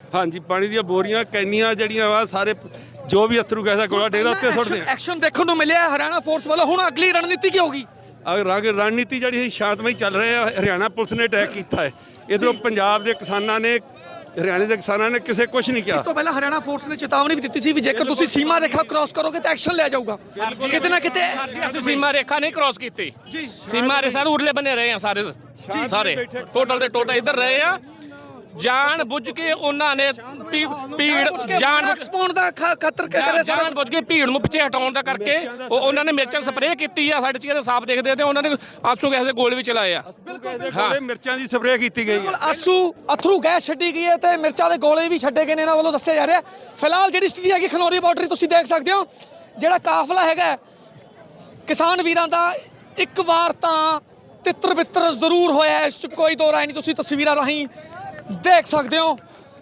ਹਾਂਜੀ ਪਾਣੀ ਦੀਆਂ ਬੋਰੀਆਂ ਕੈਨੀਆਂ ਜਿਹੜੀਆਂ ਵਾ ਸਾਰੇ ਜੋ ਵੀ ਅਥਰੂ ਗੈਸ ਦਾ ਗੋਲਾ ਡੇਗਦਾ ਉੱਤੇ ਸੁੱਟਦੇ ਆ। ਐਕਸ਼ਨ ਦੇਖਣ ਨੂੰ ਮਿਲਿਆ ਹਰਿਆਣਾ ਫੋਰਸ ਵੱਲੋਂ। ਹੁਣ ਅਗਲੀ ਰਣਨੀਤੀ ਕੀ ਹੋਗੀ? ਰਣਨੀਤੀ ਜਿਹੜੀ ਸ਼ਾਂਤਮਈ ਚੱਲ ਰਹੀ ਹੈ। ਹਰਿਆਣਾ ਪੁਲਿਸ ਨੇ ਅਟੈਕ ਕੀਤਾ ਹੈ। ਇਧਰੋਂ ਪੰਜਾਬ ਦੇ ਕਿਸਾਨਾਂ ਨੇ ਹਰਿਆਣੇ ਦੇ ਕਿਸਾਨਾਂ ਨੇ ਕਿਸੇ ਕੁਝ ਨਹੀਂ ਇਸ ਕਿਹਾ। ਤੋਂ ਪਹਿਲਾਂ ਹਰਿਆਣਾ ਫੋਰਸ ਨੇ ਚੇਤਾਵਨੀ ਵੀ ਦਿੱਤੀ ਸੀ ਵੀ ਜੇਕਰ ਤੁਸੀਂ ਸੀਮਾ ਰੇਖਾ ਕ੍ਰਾਸ ਕਰੋਗੇ ਤਾਂ ਐਕਸ਼ਨ ਲਿਆ ਜਾਊਗਾ। ਕਿਤੇ ਨਾ ਕਿਤੇ ਅਸੀਂ ਸੀਮਾ ਰੇਖਾ ਨਹੀਂ ਕ੍ਰਾਸ ਕੀਤੀ ਜੀ। ਸੀਮਾ ਰੇਖਾ ਦੇ ਉਰਲੇ ਬੰਨੇ ਰਹੇ ਆ ਸਾਰੇ ਟੋਟਲ ਦੇ ਟੋਟਲ ਇੱਧਰ ਰਹੇ ਆ। ਜਾਣ ਬੁੱਝ ਕੇ ਉਹਨਾਂ ਨੇ ਭੀੜ ਪਾਉਣ ਦਾ ਖਤਰ ਕਰਿਆ ਸਾਰਾ। ਜਾਣ ਬੁੱਝ ਕੇ ਭੀੜ ਨੂੰ ਪਿੱਛੇ ਹਟਾਉਣ ਦਾ ਕਰਕੇ ਉਹਨਾਂ ਨੇ ਮਿਰਚਾਂ ਸਪਰੇਅ ਕੀਤੀ ਆ। ਸਾਡੇ ਚਿਹਰੇ ਸਾਫ਼ ਦੇਖਦੇ ਤੇ ਉਹਨਾਂ ਨੇ ਆਂਸੂ ਗੈਸ ਦੇ ਗੋਲੇ ਵੀ ਚਲਾਏ ਆ। ਹਾਂ ਮਿਰਚਾਂ ਦੀ ਸਪਰੇਅ ਕੀਤੀ ਗਈ ਹੈ। ਆਂਸੂ ਅਥਰੂ ਗੈਸ ਛੱਡੀ ਗਈ ਹੈ ਤੇ ਮਿਰਚਾਂ ਦੇ ਗੋਲੇ ਵੀ ਛੱਡੇ ਗਏ ਨੇ ਇਹਨਾਂ ਵੱਲੋਂ ਦੱਸਿਆ ਜਾ ਰਿਹਾ। ਫਿਲਹਾਲ ਜਿਹੜੀ ਸਥਿਤੀ ਹੈਗੀ ਖਨੌਰੀ ਬਾਰਡਰ ਤੁਸੀਂ ਦੇਖ ਸਕਦੇ ਹੋ। ਜਿਹੜਾ ਕਾਫਲਾ ਹੈਗਾ ਕਿਸਾਨ ਵੀਰਾਂ ਦਾ ਇੱਕ ਵਾਰ ਤਾਂ ਤਿੱਤਰ ਬਿੱਤਰ ਜ਼ਰੂਰ ਹੋਇਆ, ਇਸ 'ਚ ਕੋਈ ਦੋ ਰਾਏ ਨਹੀਂ। ਤੁਸੀਂ ਤਸਵੀਰਾਂ ਰਾਹੀਂ ਦੇਖ ਸਕਦੇ ਹੋ।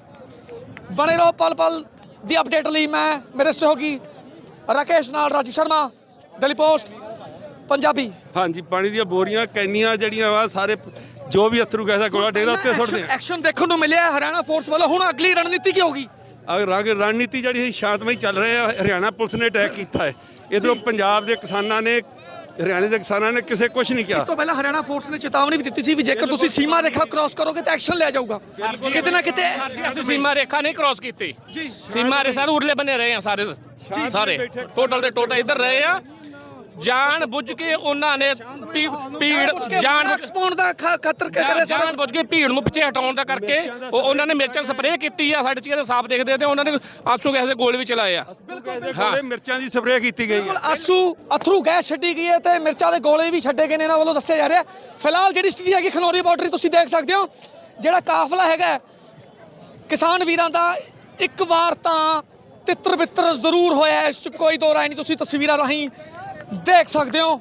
ਬਣੇ ਰਹੋ ਪਲ ਪਲ ਦੀ ਅਪਡੇਟ ਲਈ। ਮੈਂ ਮੇਰੇ ਸਹਿਯੋਗੀ ਰਾਕੇਸ਼ ਨਾਲ ਰਾਜੂ ਸ਼ਰਮਾ, ਦਿੱਲੀ ਪੋਸਟ ਪੰਜਾਬੀ। ਹਾਂਜੀ ਪਾਣੀ ਦੀਆਂ ਬੋਰੀਆਂ ਕੈਨੀਆਂ ਜਿਹੜੀਆਂ ਵਾ ਸਾਰੇ ਜੋ ਵੀ ਅਥਰੂ ਗੈਸ ਦਾ ਗੋਲਾ ਡੇਗਦਾ ਉੱਤੇ ਸੁੱਟਦੇ ਆ। ਐਕਸ਼ਨ ਦੇਖਣ ਨੂੰ ਮਿਲਿਆ ਹਰਿਆਣਾ ਫੋਰਸ ਵੱਲੋਂ। ਹੁਣ ਅਗਲੀ ਰਣਨੀਤੀ ਕੀ ਹੋਗੀ? ਰਣਨੀਤੀ ਜਿਹੜੀ ਸ਼ਾਂਤਮਈ ਚੱਲ ਰਹੀ ਹੈ। ਹਰਿਆਣਾ ਪੁਲਿਸ ਨੇ ਅਟੈਕ ਕੀਤਾ ਹੈ। ਇਧਰੋਂ ਪੰਜਾਬ ਦੇ ਕਿਸਾਨਾਂ ਨੇ ਹਰਿਆਣੇ ਦੇ ਕਿਸਾਨਾਂ ਨੇ ਕਿਸੇ ਕੁਝ ਨਹੀਂ ਕਿਹਾ। ਇਸ ਤੋਂ ਪਹਿਲਾਂ ਹਰਿਆਣਾ ਫੋਰਸ ਨੇ ਚੇਤਾਵਨੀ ਵੀ ਦਿੱਤੀ ਸੀ ਵੀ ਜੇਕਰ ਤੁਸੀਂ ਸੀਮਾ ਰੇਖਾ ਕ੍ਰਾਸ ਕਰੋਗੇ ਤਾਂ ਐਕਸ਼ਨ ਲਿਆ ਜਾਊਗਾ। ਕਿਤੇ ਨਾ ਕਿਤੇ ਅਸੀਂ ਸੀਮਾ ਰੇਖਾ ਨਹੀਂ ਕ੍ਰਾਸ ਕੀਤੀ ਸੀਮਾ ਰੇਖਾ ਦੇ ਉਰਲੇ ਬੰਨੇ ਰਹੇ ਆ ਸਾਰੇ ਟੋਟਲ ਦੇ ਟੋਟਲ ਇੱਧਰ ਰਹੇ ਆ। ਜਾਣ ਬੁੱਝ ਕੇ ਉਹਨਾਂ ਨੇ ਭੀੜ ਪਾਉਣ ਦਾ ਖਤਰ ਕਰਿਆ ਸਾਰਾ। ਜਾਣ ਬੁੱਝ ਕੇ ਭੀੜ ਨੂੰ ਪਿੱਛੇ ਹਟਾਉਣ ਦਾ ਕਰਕੇ ਉਹਨਾਂ ਨੇ ਮਿਰਚਾਂ ਸਪਰੇਅ ਕੀਤੀ ਆ। ਸਾਡੇ ਚਿਹਰੇ ਸਾਫ਼ ਦੇਖਦੇ ਤੇ ਉਹਨਾਂ ਨੇ ਆਂਸੂ ਗੈਸ ਦੇ ਗੋਲੇ ਵੀ ਚਲਾਏ ਆ। ਹਾਂ ਮਿਰਚਾਂ ਦੀ ਸਪਰੇਅ ਕੀਤੀ ਗਈ ਹੈ। ਆਂਸੂ ਅਥਰੂ ਗੈਸ ਛੱਡੀ ਗਈ ਹੈ ਤੇ ਮਿਰਚਾਂ ਦੇ ਗੋਲੇ ਵੀ ਛੱਡੇ ਗਏ ਨੇ ਇਹਨਾਂ ਵੱਲੋਂ ਦੱਸਿਆ ਜਾ ਰਿਹਾ। ਫਿਲਹਾਲ ਜਿਹੜੀ ਸਥਿਤੀ ਹੈਗੀ ਖਨੌਰੀ ਬਾਰਡਰ ਤੁਸੀਂ ਦੇਖ ਸਕਦੇ ਹੋ। ਜਿਹੜਾ ਕਾਫਲਾ ਹੈਗਾ ਕਿਸਾਨ ਵੀਰਾਂ ਦਾ ਇੱਕ ਵਾਰ ਤਾਂ ਤਿੱਤਰ ਬਿੱਤਰ ਜ਼ਰੂਰ ਹੋਇਆ, ਇਸ 'ਚ ਕੋਈ ਦੋ ਰਾਏ ਨਹੀਂ। ਤੁਸੀਂ ਤਸਵੀਰਾਂ ਰਾਹੀਂ ਦੇਖ ਸਕਦੇ ਹੋ।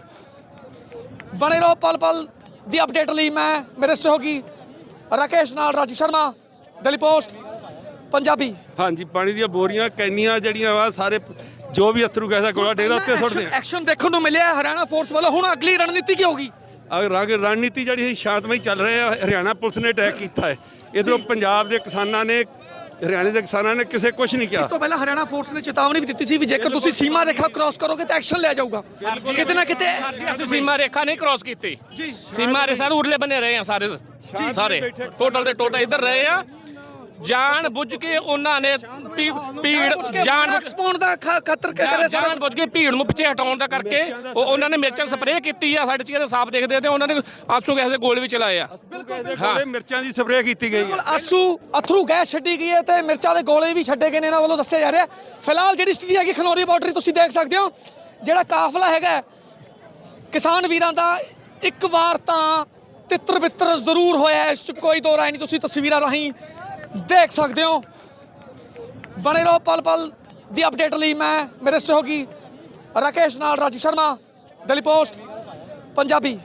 ਬਣੇ ਰਹੋ ਪਲ ਪਲ ਦੀ ਅਪਡੇਟ ਲਈ। ਮੈਂ ਮੇਰੇ ਸਹਿਯੋਗੀ ਰਾਕੇਸ਼ ਨਾਲ ਰਾਜੂ ਸ਼ਰਮਾ, ਦਿੱਲੀ ਪੋਸਟ ਪੰਜਾਬੀ। ਹਾਂਜੀ ਪਾਣੀ ਦੀਆਂ ਬੋਰੀਆਂ ਕੈਨੀਆਂ ਜਿਹੜੀਆਂ ਵਾ ਸਾਰੇ ਜੋ ਵੀ ਅਥਰੂ ਗੈਸ ਦਾ ਗੋਲਾ ਡੇਗਦਾ ਉੱਤੇ ਸੁੱਟਦੇ ਆ। ਐਕਸ਼ਨ ਦੇਖਣ ਨੂੰ ਮਿਲਿਆ ਹਰਿਆਣਾ ਫੋਰਸ ਵੱਲੋਂ। ਹੁਣ ਅਗਲੀ ਰਣਨੀਤੀ ਕੀ ਹੋਗੀ? ਰਣਨੀਤੀ ਜਿਹੜੀ ਸ਼ਾਂਤਮਈ ਚੱਲ ਰਹੀ ਹੈ। ਹਰਿਆਣਾ ਪੁਲਿਸ ਨੇ ਅਟੈਕ ਕੀਤਾ ਹੈ। ਇਧਰੋਂ ਪੰਜਾਬ ਦੇ ਕਿਸਾਨਾਂ ਨੇ ਹਰਿਆਣੇ ਦੇ ਕਿਸਾਨਾਂ ਨੇ ਕਿਸੇ ਕੁਝ ਨਹੀਂ ਕਿਹਾ। ਇਸ ਤੋਂ ਪਹਿਲਾਂ ਹਰਿਆਣਾ ਫੋਰਸ ਨੇ ਚੇਤਾਵਨੀ ਵੀ ਦਿੱਤੀ ਸੀ ਵੀ ਜੇਕਰ ਤੁਸੀਂ ਸੀਮਾ ਰੇਖਾ ਕ੍ਰਾਸ ਕਰੋਗੇ ਤਾਂ ਐਕਸ਼ਨ ਲਿਆ ਜਾਊਗਾ। ਕਿਤੇ ਨਾ ਕਿਤੇ ਅਸੀਂ ਸੀਮਾ ਰੇਖਾ ਨਹੀਂ ਕ੍ਰਾਸ ਕੀਤੀ ਸੀਮਾ ਰੇਖਾ ਦੇ ਉਰਲੇ ਬੰਨੇ ਰਹੇ ਆ ਸਾਰੇ ਟੋਟਲ ਦੇ ਟੋਟਲ ਇੱਧਰ ਰਹੇ ਆ। ਜਾਣ ਬੁੱਝ ਕੇ ਉਹਨਾਂ ਨੇ ਭੀੜ ਪਾਉਣ ਦਾ ਖਤਰ ਕਰਿਆ ਸਾਰਾ। ਜਾਣ ਬੁੱਝ ਕੇ ਭੀੜ ਨੂੰ ਪਿੱਛੇ ਹਟਾਉਣ ਦਾ ਕਰਕੇ ਉਹਨਾਂ ਨੇ ਮਿਰਚਾਂ ਸਪਰੇਅ ਕੀਤੀ ਆ। ਸਾਡੇ ਚਿਹਰੇ ਸਾਫ਼ ਦੇਖਦੇ ਤੇ ਉਹਨਾਂ ਨੇ ਆਂਸੂ ਗੈਸ ਦੇ ਗੋਲੇ ਵੀ ਚਲਾਏ ਆ। ਹਾਂ ਮਿਰਚਾਂ ਦੀ ਸਪਰੇਅ ਕੀਤੀ ਗਈ ਹੈ। ਆਂਸੂ ਅਥਰੂ ਗੈਸ ਛੱਡੀ ਗਈ ਹੈ ਤੇ ਮਿਰਚਾਂ ਦੇ ਗੋਲੇ ਵੀ ਛੱਡੇ ਗਏ ਨੇ ਇਹਨਾਂ ਵੱਲੋਂ ਦੱਸਿਆ ਜਾ ਰਿਹਾ। ਫਿਲਹਾਲ ਜਿਹੜੀ ਸਥਿਤੀ ਹੈਗੀ ਖਨੌਰੀ ਬਾਰਡਰ ਤੁਸੀਂ ਦੇਖ ਸਕਦੇ ਹੋ। ਜਿਹੜਾ ਕਾਫਲਾ ਹੈਗਾ ਕਿਸਾਨ ਵੀਰਾਂ ਦਾ ਇੱਕ ਵਾਰ ਤਾਂ ਤਿੱਤਰ ਬਿੱਤਰ ਜ਼ਰੂਰ ਹੋਇਆ, ਇਸ 'ਚ ਕੋਈ ਦੋ ਰਾਏ ਨਹੀਂ। ਤੁਸੀਂ ਤਸਵੀਰਾਂ ਰਾਹੀਂ ਦੇਖ ਸਕਦੇ ਹੋ। ਬਣੇ ਰਹੋ ਪਲ ਪਲ ਦੀ ਅਪਡੇਟ ਲਈ। ਮੈਂ ਮੇਰੇ ਸਹਿਯੋਗੀ ਰਾਕੇਸ਼ ਨਾਲ ਰਾਜੂ ਸ਼ਰਮਾ, ਦਿੱਲੀ ਪੋਸਟ ਪੰਜਾਬੀ।